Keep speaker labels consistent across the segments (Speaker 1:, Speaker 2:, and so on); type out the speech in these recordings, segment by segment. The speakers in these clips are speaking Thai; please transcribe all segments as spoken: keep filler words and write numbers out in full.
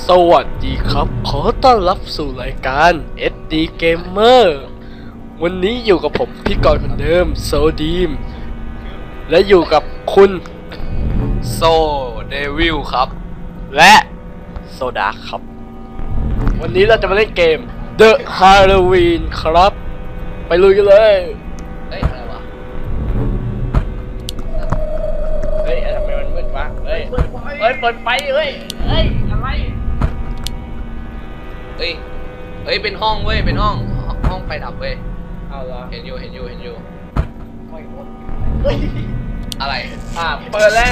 Speaker 1: สวัสดีครับขอต้อนรับสู่รายการ เอส ดี Gamer วันนี้อยู่กับผมพี่กรณ์คนเดิมโซดีมและอยู่กับคุณโซเดวิลครับและโซดาครับวันนี้เราจะมาเล่นเกม The Halloween ครับไปลุยกันเลยเฮ้ยอะไรวะเฮ้ยทำไมมันมืดวะเฮ้ยเฮ้ยเปิดไฟเฮ้ยเฮ้ยอะไร
Speaker 2: เฮ้ยเฮ้ยเป็นห้องเว้ยเป็นห้องห้องไฟดับเว้ย
Speaker 1: เอาละ
Speaker 2: เห็นอยู่เห็นอยู่เห็นอยู่
Speaker 1: ไม่หมดเฮ้ย
Speaker 2: อะไร
Speaker 1: อ่าเปิดแล้ว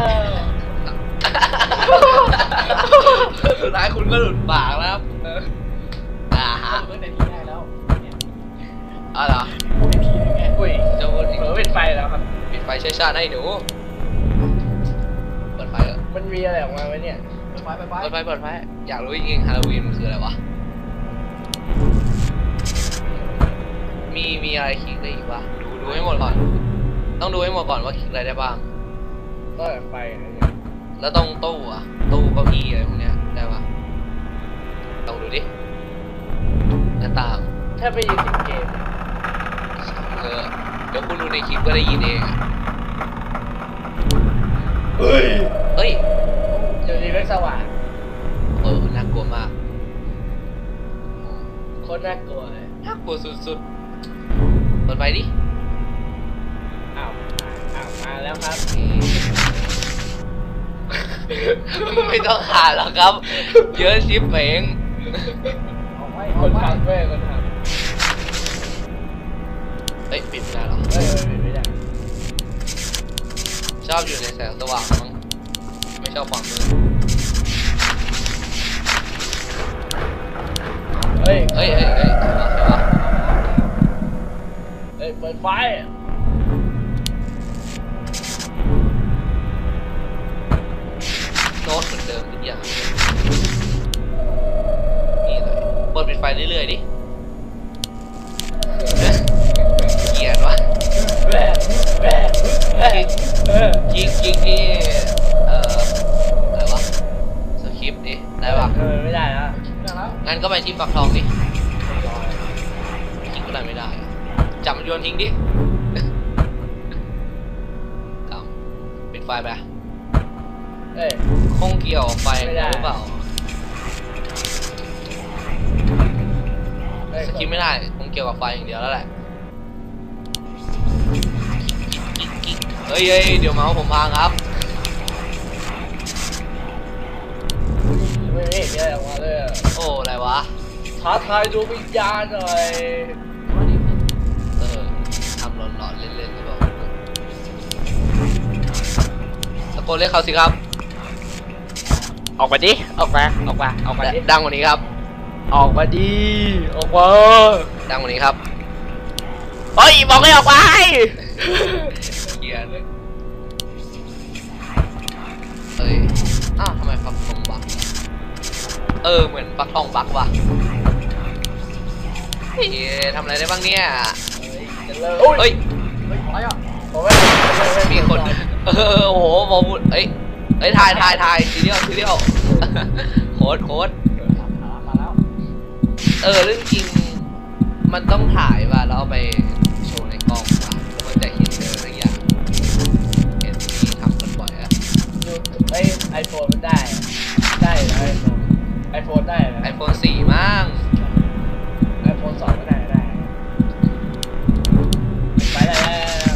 Speaker 2: สุดท้ายคุณก็หลุดปากแล้วครับอ่าฮะ
Speaker 1: เปิดในที่ได้แล้ว
Speaker 2: อ๋อเหรอ
Speaker 1: ในที่นึงไงอุ้ย
Speaker 2: จะพูดอีก
Speaker 1: เปิดปิดไฟแล้วครับ
Speaker 2: ปิดไฟใช้ชาติให้หนูเปิดไฟเหรอ
Speaker 1: มันมีอะไรออกมาไหมเนี่ยเปิดไฟเปิดไฟ
Speaker 2: เปิดไฟเปิดไฟอยากรู้จริงๆฮาโลวีนมันคืออะไรวะมีมีอะไรคลิกได้อีกวะดูดูให้หมดก่อนต้องดูให้หมดก่อนว่าคลิกอะไรได้บ้าง
Speaker 1: ก็เปิดไฟอะไรเนี่ย
Speaker 2: แล้วต้องตู้อะตู้เก้าอี้อะไรพวกเนี้ยได้ปะลองดูดิหน้าต่าง
Speaker 1: ถ้าไปยินเสียงเกม
Speaker 2: เออเดี๋ยวคุณดูในคลิปก็ได้ยินเอง
Speaker 1: เฮ้ย
Speaker 2: เฮ้ย
Speaker 1: เดี๋ยวนี้ไม่สว่าง
Speaker 2: เออน่ากลัวมาก
Speaker 1: โคตรน่ากลัวเลย
Speaker 2: น่ากลัวสุดๆเปิดไฟดิ
Speaker 1: อ้าวอ้าวมาแล้วครับ
Speaker 2: ไม่ต้องหาหรอกครับเยอะชิปเอง
Speaker 1: คนทำด้วยคนทำ
Speaker 2: เฮ้ยปิดไม่ได้หรอ
Speaker 1: เฮ้ยปิดไม่ได้
Speaker 2: ชอบอยู่ในแสงสว่างมั้งไม่ชอบความมืด
Speaker 1: เฮ้ย
Speaker 2: เฮ้ยเฮ้ยเฮ้ยใช่ปะ
Speaker 1: เฮ้ยเปิดไฟ
Speaker 2: โน้ตเหมือนเดิมทุกอย่างนี่เลยเปิดปิดไฟเรื่อยๆดิเกียดวะ
Speaker 1: แบะแบะแบะ
Speaker 2: ยิงยิงที่เอ่ออะไรวะสคริปต์ดิได้ปะ
Speaker 1: เออไม่ได้แล้ว
Speaker 2: งั้นก็ไปที่ปักทองดิยิงก็ได้ไม่ได้จับมันโยนทิ้งดิกำปิดไฟไป
Speaker 1: เอ้ย
Speaker 2: คงเกี่ยวไฟหรือเปล่าสคริปต์ไม่ได้คงเกี่ยวกับไฟอย่างเดียวแล้วแหละเฮ้ยเฮ้ยเดี๋ยวเมาส์ผมพังครับ
Speaker 1: ไม่เห็นอะไรออกมาเลย
Speaker 2: โอ้อะไรวะ
Speaker 1: ท้าทายดวงวิญญาณหน่อย
Speaker 2: เออทำหลอนๆเล่นๆหรือเปล่าตะโกนเรียกเขาสิครับ
Speaker 1: ออกมาดิออกมาออกมาออกมาดิ
Speaker 2: ดังกว่านี้ครับ
Speaker 1: ออกมาดิออกมา
Speaker 2: ดังกว่านี้ครับ
Speaker 1: เฮ้ยบอกให้ออกไป
Speaker 2: เกียร์เลยเอ้ยอ้าวทำไมฟักทองบักเออเหมือนฟักทองบักว่ะเฮ้ยทำอะไรได้บ้างเนี่ยเฮ้ยมีคนเออโอ้โหบอลเอ้ยเอ้ยถ่ายถ่ายถ่ายทีเดียวทีเดียวโค้ดโค้ดเออเรื่องจริงมันต้องถ่ายว่ะแล้วเอาไปโชว์ในกล้องว่ะแล้วมันจะเห็นเจออะไรอย่างเห็นมีทำกันบ่อยอะ
Speaker 1: ไอไอโฟนมันได้ได้ไอโฟนไอโฟนได้
Speaker 2: ไอโฟนสี่มั้ง
Speaker 1: ไอโฟนสองก็ได้ได้ไปแล้ว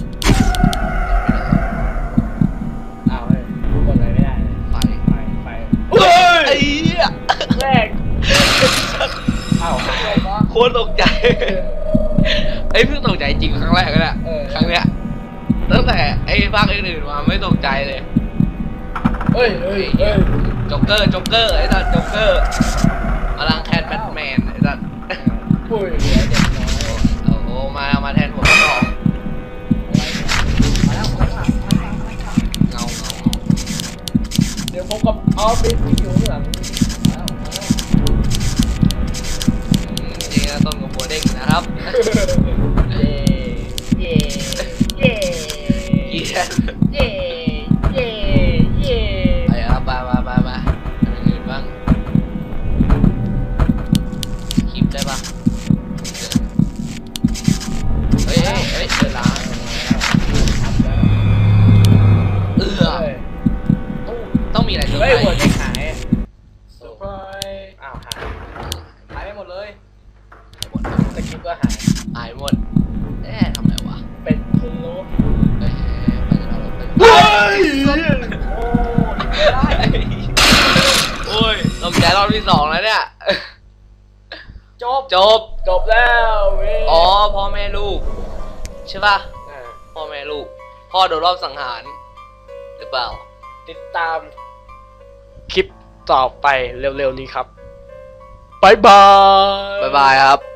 Speaker 1: อ้าวเฮ้ยกดอะไรไม่ได้
Speaker 2: ไฟ
Speaker 1: ไฟไฟ
Speaker 2: เฮ้ยไอ้เหี้ย
Speaker 1: แรกอ้าว
Speaker 2: โคตรตกใจไอ้เพิ่งตกใจจริงครั้งแรกเลยอะครั้งเนี้ยตั้งแต่ไอ้ภาคอื่นๆมาไม่ตกใจเลย
Speaker 1: เฮ้ยเฮ้ยเฮ้ย
Speaker 2: จ็อกเกอร์จ็อกเกอร์ไอ้สัตว์จ็อกเกอร์มาลังแทนแบทแมนไอ้สัตว์
Speaker 1: ปุ้ยเหลือเด็กน้อย
Speaker 2: โอ้โหมามาแทนหัวกระบอก
Speaker 1: มาแล้วมาแล้ว
Speaker 2: เงาเงา
Speaker 1: เดี๋ยวผมกับออฟฟิศที่อยู่ข้างหลัง
Speaker 2: จริงนะต้นกับหัวเด้งนะครับ
Speaker 1: เย่เย่เย่
Speaker 2: เย่
Speaker 1: เย่เย่เย่
Speaker 2: ไปครับมามามามาอื่นบ้าง
Speaker 1: สกิปก็หาย
Speaker 2: หายหมดเอ๊ะทำไมวะ
Speaker 1: เป็นพะโล้
Speaker 2: เอ๊ะไปกันแล้วไปกัน
Speaker 1: เฮ้ย
Speaker 2: โอ้ยลมใจรอบที่สองแล้วเนี่ย
Speaker 1: จบ
Speaker 2: จบ
Speaker 1: จบแล้วเว้ย
Speaker 2: อ๋อพ่อแม่ลูกใช่ป่ะ
Speaker 1: อ่า
Speaker 2: พ่อแม่ลูก พ่อโดนรอบสังหาร หรือเปล่า
Speaker 1: ติดตามคลิปต่อไปเร็วๆนี้ครับ บ๊ายบาย
Speaker 2: บ๊ายบายครับ